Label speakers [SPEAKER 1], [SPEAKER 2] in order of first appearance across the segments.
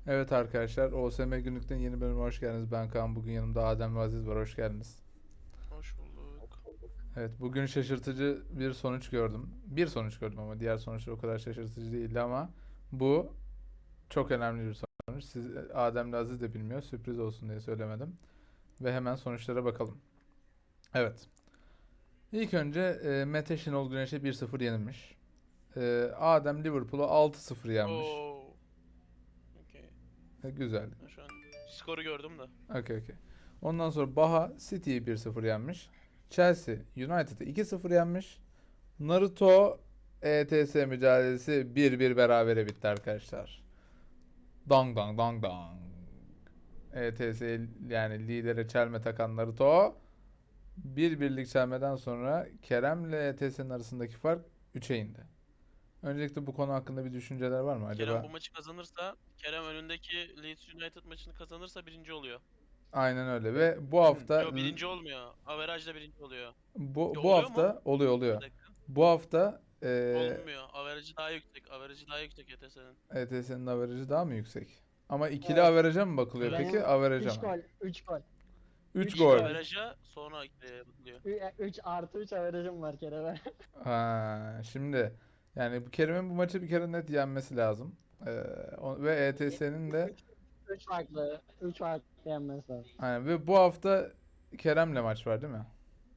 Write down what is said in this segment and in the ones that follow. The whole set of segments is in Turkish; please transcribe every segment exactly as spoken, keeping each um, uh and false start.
[SPEAKER 1] Evet arkadaşlar, O S M Günlük'ten yeni bölüme hoş geldiniz. Ben Kaan. Bugün yanımda Adem ve Aziz var. Hoş geldiniz.
[SPEAKER 2] Hoş bulduk.
[SPEAKER 1] Evet, bugün şaşırtıcı bir sonuç gördüm. Bir sonuç gördüm ama diğer sonuçlar o kadar şaşırtıcı değildi ama bu çok önemli bir sonuç. Siz, Adem ile Aziz de bilmiyor. Sürpriz olsun diye söylemedim. Ve hemen sonuçlara bakalım. Evet. İlk önce e, Mete Şenol Güneş'e bir sıfır yenilmiş. E, Adem Liverpool'a altı sıfır yenmiş.
[SPEAKER 2] Oo. Okey.
[SPEAKER 1] E, güzel.
[SPEAKER 2] Ben şu an skoru gördüm de.
[SPEAKER 1] Okey okey. Ondan sonra Baha City'yi bir sıfır yenmiş. Chelsea United'ı iki sıfır yenmiş. Naruto E T S mücadelesi bir bir berabere bitti arkadaşlar. Dang dang dang dang. E T S yani lidere çelme takan Naruto bir birlik çelmeden sonra Kerem'le E T S'nin arasındaki fark üçe indi. Öncelikle bu konu hakkında bir düşünceler var mı
[SPEAKER 2] Kerem
[SPEAKER 1] acaba?
[SPEAKER 2] bu maçı kazanırsa, Kerem önündeki Leeds United maçını kazanırsa birinci oluyor.
[SPEAKER 1] Aynen öyle ve bu hafta
[SPEAKER 2] Yo, birinci olmuyor. Averajda birinci oluyor.
[SPEAKER 1] bu
[SPEAKER 2] Yo,
[SPEAKER 1] bu
[SPEAKER 2] oluyor mu?
[SPEAKER 1] hafta oluyor
[SPEAKER 2] Bir
[SPEAKER 1] oluyor.
[SPEAKER 2] dakika.
[SPEAKER 1] Bu hafta eee
[SPEAKER 2] Olmuyor. Averajı daha yüksek. Averajı daha yüksek E T S'nin.
[SPEAKER 1] E T S'nin averajı daha mı yüksek? Ama ikili
[SPEAKER 3] Evet.
[SPEAKER 1] averaja mı bakılıyor
[SPEAKER 2] Evet.
[SPEAKER 1] peki?
[SPEAKER 3] Benim
[SPEAKER 1] Averaja
[SPEAKER 3] üç
[SPEAKER 1] mı?
[SPEAKER 3] gol, üç gol.
[SPEAKER 1] üç
[SPEAKER 3] üç
[SPEAKER 1] gol.
[SPEAKER 3] gol.
[SPEAKER 2] Averaja sonra e, bakılıyor.
[SPEAKER 3] üç artı üç averajım var Kerem'e.
[SPEAKER 1] Ha, şimdi yani bu Kerim'in bu maçı bir kere net yenmesi lazım. Ee, o- ve E T S'nin de
[SPEAKER 3] üç farklı, üç farklı yenmesi lazım.
[SPEAKER 1] yani ve bu hafta Kerem'le maç var değil mi?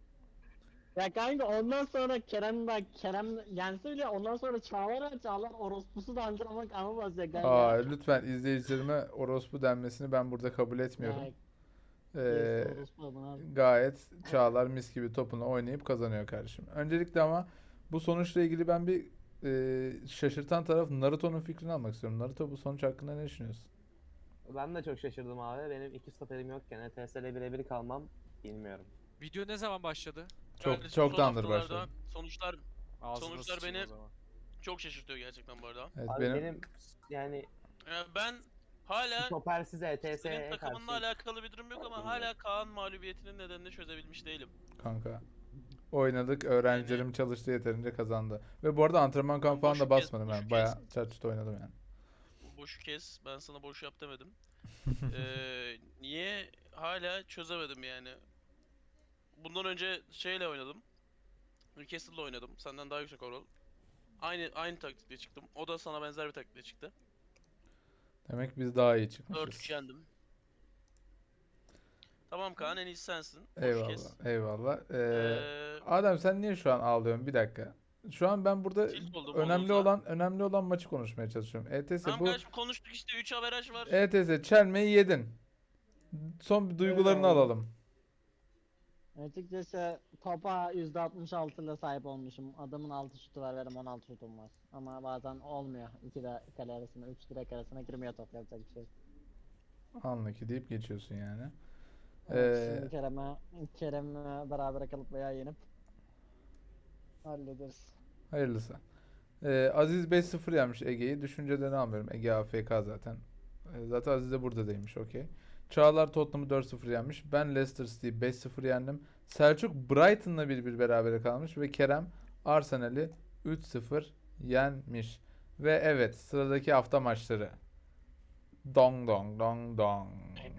[SPEAKER 3] Ya kanka ondan sonra Kerem bak Kerem yense bile ondan sonra Çağlar var, Çağlar orospusu da antrenman kanı ya
[SPEAKER 1] Aa,
[SPEAKER 3] kanka.
[SPEAKER 1] lütfen izleyicilerime orospu denmesini ben burada kabul etmiyorum.
[SPEAKER 3] Ya gerisi
[SPEAKER 1] Ee,
[SPEAKER 3] orospu bunlar.
[SPEAKER 1] gayet Çağlar mis gibi topunu oynayıp kazanıyor kardeşim. Öncelikle ama bu sonuçla ilgili ben bir e, şaşırtan taraf Naruto'nun fikrini almak istiyorum. Naruto bu sonuç hakkında ne düşünüyorsun?
[SPEAKER 4] Ben de çok şaşırdım abi. Benim iki stoperim yokken E T S ile birebir kalmam bilmiyorum.
[SPEAKER 5] Video ne zaman başladı?
[SPEAKER 1] Çok
[SPEAKER 2] Kardeşim son
[SPEAKER 1] çoktandır başladı.
[SPEAKER 2] haftalarda sonuçlar
[SPEAKER 5] Ağzına
[SPEAKER 2] sonuçlar
[SPEAKER 5] sıçayım
[SPEAKER 2] beni
[SPEAKER 5] o zaman.
[SPEAKER 2] çok şaşırtıyor gerçekten bu arada.
[SPEAKER 1] Evet
[SPEAKER 4] Abi
[SPEAKER 1] benim
[SPEAKER 4] benim, yani
[SPEAKER 2] Yani ben hala
[SPEAKER 4] stopersiz
[SPEAKER 2] senin
[SPEAKER 4] E T S'ye
[SPEAKER 2] takımınla
[SPEAKER 4] karşı
[SPEAKER 2] alakalı bir durum yok ama
[SPEAKER 4] bilmiyorum.
[SPEAKER 2] hala Kaan mağlubiyetinin nedenini çözebilmiş değilim.
[SPEAKER 1] kanka oynadık. Öğrencilerim çalıştı yeterince kazandı. Ve bu arada antrenman kampı
[SPEAKER 2] Ben
[SPEAKER 1] falan da
[SPEAKER 2] boşu kes,
[SPEAKER 1] basmadım
[SPEAKER 2] boşu
[SPEAKER 1] yani.
[SPEAKER 2] kes.
[SPEAKER 1] Bayağı çat oynadım yani.
[SPEAKER 2] Boşu kes. Ben sana boş yap demedim. Ee, niye hala çözemedim yani. Bundan önce şeyle oynadım. Newcastle'la oynadım. Senden daha yüksek overall. Aynı aynı taktikle çıktım. O da sana benzer bir taktikle çıktı.
[SPEAKER 1] Demek biz daha iyi
[SPEAKER 2] dört üç
[SPEAKER 1] çıkmışız.
[SPEAKER 2] yendim. Tamam Kaan, en iyisi sensin. Boş
[SPEAKER 1] Eyvallah.
[SPEAKER 2] kes.
[SPEAKER 1] Eyvallah. Ee,
[SPEAKER 2] Ee,
[SPEAKER 1] Adem sen niye şu an ağlıyorsun? Bir dakika. Şu an ben burada
[SPEAKER 2] tilt oldum
[SPEAKER 1] önemli
[SPEAKER 2] Molot'a.
[SPEAKER 1] olan önemli olan maçı konuşmaya çalışıyorum. E T S
[SPEAKER 2] Tamam
[SPEAKER 1] bu
[SPEAKER 2] kardeşim, konuştuk işte, üç averaj var.
[SPEAKER 1] E T S çelmeyi yedin. Son bir
[SPEAKER 3] Öyle
[SPEAKER 1] duygularını
[SPEAKER 3] oldu.
[SPEAKER 1] alalım.
[SPEAKER 3] Açıkçası topa yüzde altmış altı ile sahip olmuşum. Adamın altı şutu var, benim on altı şutum var. Ama bazen olmuyor. İki de kale arasına, üç direk arasına girmiyor top, yapacak bir şey yok.
[SPEAKER 1] Anla ki deyip geçiyorsun yani.
[SPEAKER 3] Evet,
[SPEAKER 1] Ee,
[SPEAKER 3] şimdi Kerem'e Kerem'le beraber kalıp veya yenip hallederiz.
[SPEAKER 1] hayırlısı. Ee, Aziz beş sıfır yenmiş Ege'yi. Düşüncelerini almıyorum. Ege A F K zaten. Ee, zaten Aziz de burada değilmiş. Okey. Çağlar Tottenham'ı dört sıfır yenmiş. Ben Leicester City'yi beş sıfır yendim. Selçuk Brighton'la bir bir berabere kalmış. Ve Kerem Arsenal'i üç sıfır yenmiş. Ve evet, sıradaki hafta maçları. Dong dong dong dong.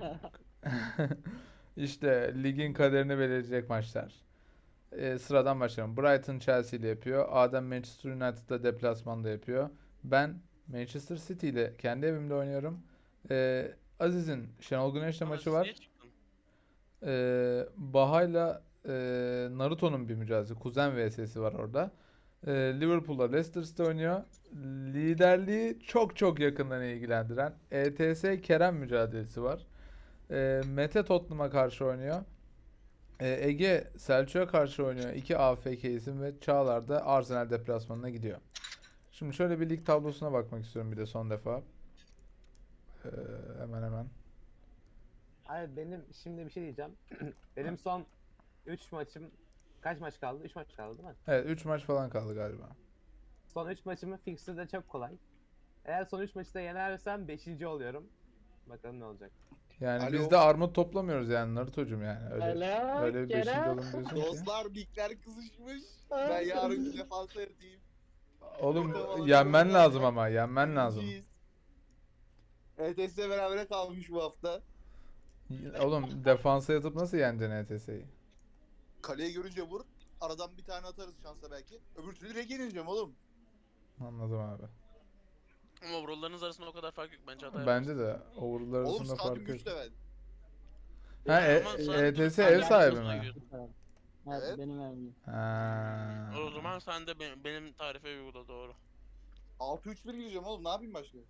[SPEAKER 1] İşte ligin kaderini belirleyecek maçlar. Ee, sıradan başlayalım. Brighton Chelsea ile yapıyor. Adem Manchester United'da deplasmanda yapıyor. Ben Manchester City ile kendi evimde oynuyorum. Ee, Aziz'in Şenol Güneş'le
[SPEAKER 2] Ama
[SPEAKER 1] maçı
[SPEAKER 2] siz niye
[SPEAKER 1] var.
[SPEAKER 2] çıktın?
[SPEAKER 1] Ee, Baha'yla e, Naruto'nun bir mücadelesi. Kuzen vs'si var orada. Ee, Liverpool'la Leicester City oynuyor. Liderliği çok çok yakından ilgilendiren E T S Kerem mücadelesi var. Ee, Mete Tottenham'a karşı oynuyor. Ee, Ege Selçuk'a karşı oynuyor. İki A F K isim ve Çağlar da Arsenal deplasmanına gidiyor. Şimdi şöyle bir lig tablosuna bakmak istiyorum bir de son defa. Ee, hemen hemen.
[SPEAKER 4] Abi benim şimdi bir şey diyeceğim. Benim son üç maçım, kaç maç kaldı? üç maç kaldı değil mi?
[SPEAKER 1] Evet, üç maç falan kaldı galiba.
[SPEAKER 4] Son üç maçımın fixtürü de çok kolay. Eğer son üç maçı da yenersem beşinci oluyorum. Bakalım ne olacak.
[SPEAKER 1] Yani
[SPEAKER 6] Alo.
[SPEAKER 1] biz de armut toplamıyoruz yani Naruto'cum yani. Öyle
[SPEAKER 3] Alo,
[SPEAKER 1] öyle bir beşinci
[SPEAKER 3] Kerem.
[SPEAKER 1] olun diyorsun ki.
[SPEAKER 6] Dostlar, ligler kızışmış. Ben yarın bir defansa yatayım.
[SPEAKER 1] Oğlum
[SPEAKER 6] Tamam,
[SPEAKER 1] yenmen
[SPEAKER 6] tamam.
[SPEAKER 1] lazım ama yenmen lazım.
[SPEAKER 6] Birinciyiz. E T S berabere kalmış bu hafta.
[SPEAKER 1] Oğlum defansa yatıp nasıl yeneceksin E T S'yi?
[SPEAKER 6] Kaleyi görünce vur. Aradan bir tane atarız şansa belki. Öbür türlü rege yeneceğim oğlum.
[SPEAKER 1] Anladım abi.
[SPEAKER 2] Ama overall'larınız arasında o kadar fark yok. Bence hata
[SPEAKER 1] Bence de overall'lar
[SPEAKER 6] Oğlum
[SPEAKER 1] arasında
[SPEAKER 6] stadyum
[SPEAKER 1] fark yok.
[SPEAKER 6] üç level.
[SPEAKER 1] Ha
[SPEAKER 2] Yani
[SPEAKER 1] E-
[SPEAKER 2] ama sen
[SPEAKER 1] E T S
[SPEAKER 2] Türk
[SPEAKER 1] ev sahibi
[SPEAKER 2] oyuncularına
[SPEAKER 1] mi?
[SPEAKER 2] göre-
[SPEAKER 3] Evet,
[SPEAKER 6] Evet.
[SPEAKER 3] benim evim.
[SPEAKER 1] Ha.
[SPEAKER 2] O zaman sen de benim, benim tarife uygula doğru.
[SPEAKER 6] altı üç bir gireceğim oğlum. Ne yapayım başka?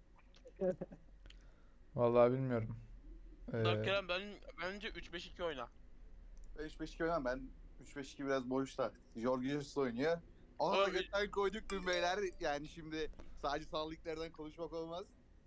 [SPEAKER 1] Vallahi bilmiyorum. Ee,
[SPEAKER 2] Dark Kerem ben, bence üç beş iki oyna.
[SPEAKER 6] Ben üç beş iki oynamam. Ben üç beş iki biraz boşta. Jorge Jesus oynuyor. Ona da
[SPEAKER 2] Abi-
[SPEAKER 6] götten koyduk dün beyler. Yani şimdi sadece sağlıklardan konuşmak olmaz.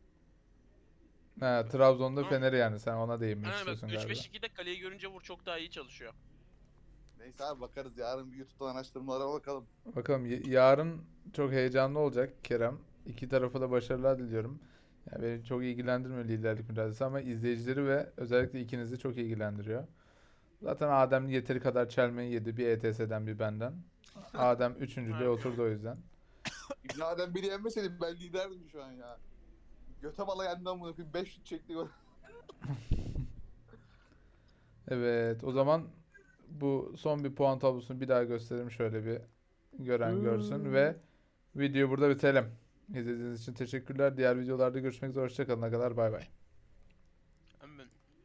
[SPEAKER 1] ha, Trabzon'da
[SPEAKER 2] Tamam.
[SPEAKER 1] Fener'i yani sen ona değinmek
[SPEAKER 2] Yani bak
[SPEAKER 1] istiyorsun
[SPEAKER 2] üç
[SPEAKER 1] galiba.
[SPEAKER 2] beş ikide kaleyi görünce vur çok daha iyi çalışıyor.
[SPEAKER 6] Neyse abi bakarız. Yarın bir YouTube'dan araştırmalara bakalım.
[SPEAKER 1] Bakalım y- yarın çok heyecanlı olacak Kerem. İki tarafa da başarılar diliyorum. Yani beni çok ilgilendirmiyor liderlik mücadelesi ama izleyicileri ve özellikle ikinizi çok ilgilendiriyor. Zaten Adem yeteri kadar çelmeyi yedi bir E T S'den bir benden. Adem üçüncülüğe
[SPEAKER 2] Evet.
[SPEAKER 1] oturdu o yüzden.
[SPEAKER 6] İbn Adem beni yenmeseydi ben liderdim şu an ya. Göte bala yendim bunu. beş şut çekti gol.
[SPEAKER 1] Evet, o zaman bu son bir puan tablosunu bir daha gösterelim şöyle bir gören görsün ve videoyu burada bitelim. İzlediğiniz için teşekkürler. Diğer videolarda görüşmek üzere. Hoşça kalın. Kadar bay bay.